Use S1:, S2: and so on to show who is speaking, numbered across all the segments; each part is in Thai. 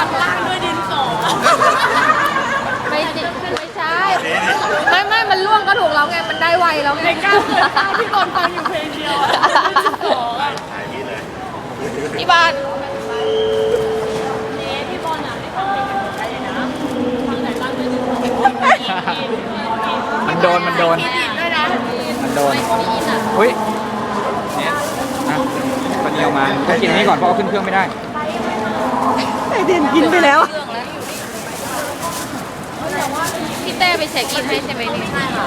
S1: ปัดล่างด้วยดินสอไม่ใช่ไม่มันล่วงก็ถูกแล้วไงมันได้ไวแล้วไงในการเกิดข้าวที่โดนฟังอยู่เพลงเดียวที่บ้านพี่บอลอ่ะไม่ทำเพลงกับใครเลยนะทำไหนบ้างเลย
S2: มันโดนมันโดนอุ้ยเนี่ยนะวันนี้เอามาต้องกินนี้ก่อนเพราะเอาขึ้นเครื่องไม่ได้
S3: ไอเด่นกินไปแล้ว
S1: พี่เต้ไปเช็คอินให้ใช่ไหมนี่ใช่ค่ะ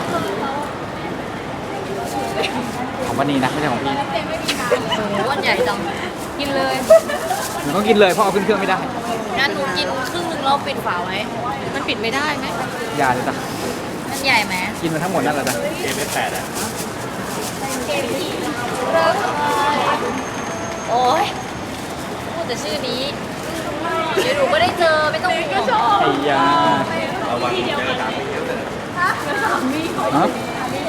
S2: ของวันนี้นะไม่ใช่ของพี่
S1: โอ้วันใหญ่จังกินเลย
S2: หนูต้องกินเลยเพราะเอาขึ้นเครื่องไม่ได้
S1: งั้นหนูกินครึ่งนึงแล้วปิดฝาไว้มันปิดไม่ได้ไหม
S2: อย่าเลยจ้ะ
S1: มันใหญ่ไหม
S2: กินมาทั้งหมดนั่นแหละจ้ะเกมไม่แปดอ่ะ
S1: โอ้ยพูดแต่ชื่อนี้เดี๋ยวหนูก็ได้เจอไม่ต้องห่วง
S2: ไอ้ยาฮะ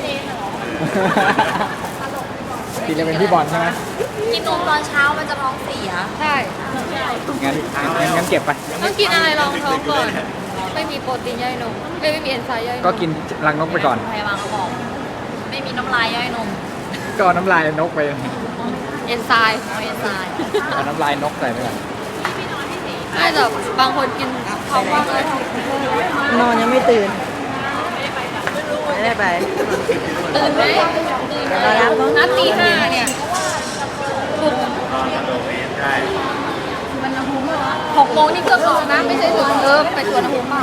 S2: กินจะเป็นพี่บอลใช่ไหม
S1: กินนมตอนเช้ามันจะท้องเสียใช่
S2: งั้นเก็บไป
S1: ต้องกินอะไรรองท้องก่อนไม่มีโปรตีนย่อยนมไม่มีเอนไซม์ย่อยนม
S2: ก็กินรังนกไปก่อน
S1: พยาบาลเขาบอกไม่มีน้ำลายย่อยนม
S2: ก็น้ำลายนกไป
S1: เอนไซม์
S2: เอาน้ำลายนกใส่ไปก่อน
S1: ไม่แต่บางคนกินท้องว่างเลย
S3: นอนยังไม่ตื่นไม่ได้ไป
S1: ตื่นไหมตื่นแล้วนัดตี 5เนี่ย6 โมงนี่ก็ออกนะไม่ใช่ถึงไปสวนภูมิเปล่า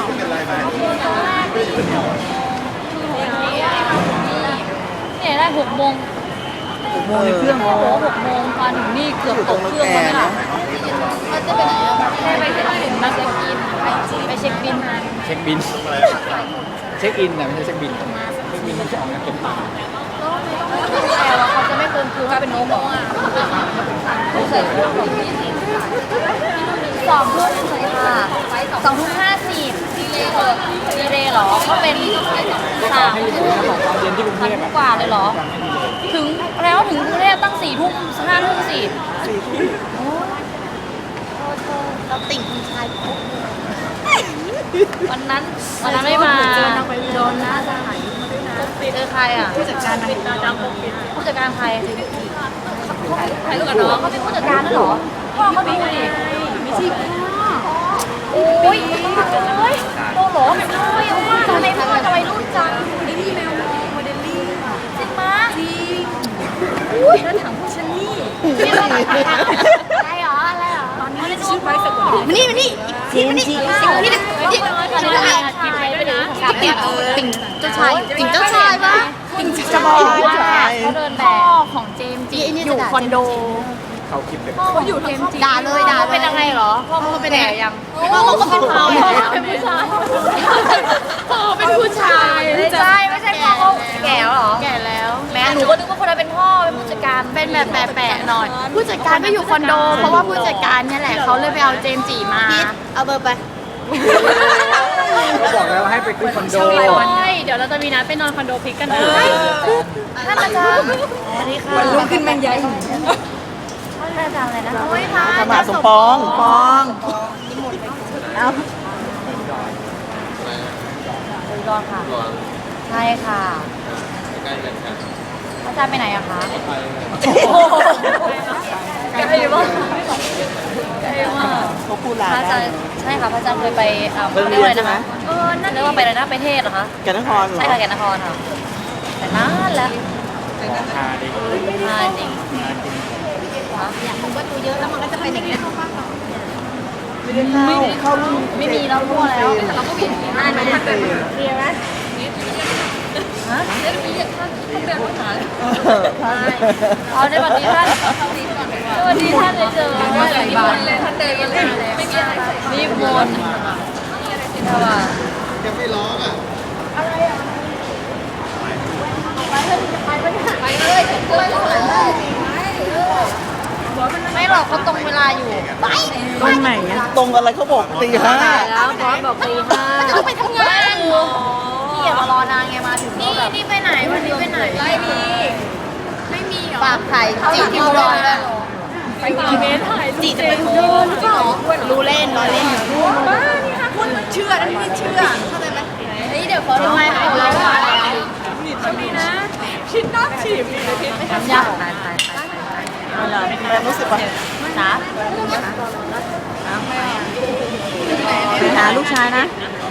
S1: เนี่ยได้6 โมง
S3: ในเครื่อง
S1: โอ้โห6 โมงตอนถึงนี่เกือบตกเครื่องแล้วค่ะเขาจะไปไหนไปเช็คอินไปเช็คอินไปเช็คบิน
S2: เช็คบินเช็คอินนะไม่ใช่เช็คบินเช็คบินมันจะออกงานเก็บตังค์
S1: แต่ว่าเขาจะไม่เติมคือว่าเป็นโน้มบอกว่าใส่เครื่องแบบนี้2 ทุ่มเลยค่ะ2 ทุ่ม 50ดีเลยเหรอก็เป็น3 ทุ่มกว่าเลยเหรอถึงแล้วถึงกรุงเทพตั้ง4 ทุ่ม 5 ทุ่มสิเราติ่งคุณชายวันนั้นไม่มาโดนนะเจอใครอ่ะผู้จัดการผู้จัดการใครใครลูกกับน้องเขาเป็นผู้จัดการนั่นหรอพ่อเขาดูดิไม่ใช่พ่อโอ้ยโตหรอแบบน้อยมากทำไมพ่อจะวัยรุ่นจังนี่แมวโมเดลลิ่งจริงมั้ยจริงอุ้ยแล้วถามพวกฉันนี่อะไรหรอตอนนี้ชื่อไว้สักคนมานี่ทีมที่ติ่งเจ้าชายติ่งเจ้าชายปะติ่งเจ้าชายเขาเดินแบบพ่อของเจมส์จีอยู่คอนโด
S2: เขาคลิปเลย
S1: เขาอยู่เจมส์จีด่าเป็นยังไงเหรอพ่อเขาเป็นแก่ยังพ่อเขาก็เป็นพ่อเป็นผู้ชายพ่อเป็นผู้ชายไม่ใช่พ่อเขาแก่หรอแก่แล้วแม่หนูก็นึกว่าคนนั้นเป็นพ่อเป็นผู้จัดการเป็นแบบแปะๆหน่อยผู้จัดการก็อยู่คอนโดเพราะว่าผู้จัดการเนี่ยแหละเขาเลยไปเอาเจมส์จีมาเอาเบอร์ไป
S2: เขาบอกแล้วให้ไปขึ้นคอนโด
S1: เดี๋ยวเราจะมีนัดไปนอนคอนโดพิกกันนะท่านอาจารย์สวัสดีค่ะ
S3: ลุกขึ้นแมงใหญ่
S1: ท่านอาจารย์อะไรนะโอ้ยพระ
S3: ธรรมะสมปองเอา
S1: รอค่ะใช่ค่ะใกล้กันค่ะอาจารย์ไปไหนอะคะไกลมาก
S3: เขาพูดลา
S1: พระอาจารย์ใช่ค่ะพระอาจารย์เคยไปเรียกว่าอะไรนะคะนั่นเรียกว่าไปอะไรนะไปเทศเหรอคะ
S3: แก่นนคร
S1: ใช่ค่ะแก่นนครค่ะแต่นานแล้ว
S2: ทาดิ
S1: จริงอยากรู้ว่าตัวเยอะแล้วมันก็จะเป็นอย่างนี้
S3: เข้า
S1: ไม่มีเราทั่วแล้วแต่เราก็มีได้ไหมเคลียร์ไหมฮะเรื่องนี้อยากท่านเดินมาหาเอาในวันนี้ท่านวันนี้ท่านเลยเจอว่าอะไรบ้างเลยท่านเดินมาเลยไม่มีอะไรรีบวนใช่ป่ะยังไม่ร้องอ่ะอะไรอ่ะไปเลยไม่หรอกเขาตรงเวลาอยู่ไป
S3: ตรงไหนตรงอะไรเขาบอกตี 5
S1: แล้วบอสบอกตี 5เขาไปทำงานพี่อย่ามารอนานไงมาถึงนี่ไปไหนวันนี้ไปไหนไม่มีหรอฝากไข่จีบที่รอจีจะไปเดินหรือเปล่ารู้เล่นล้อเล่นบ้านี่ค่ะคุณเชื่อนะไม่เชื่อเข้าใจไหมเฮ้ยเดี๋ยวขอทำไมของเราช่วงนี้นะชิ้นน้ำฉีบไม่ทำยากตายอะไรรู้สึกว่าจ๋า
S3: ไปหาลูกชายนะ
S1: เ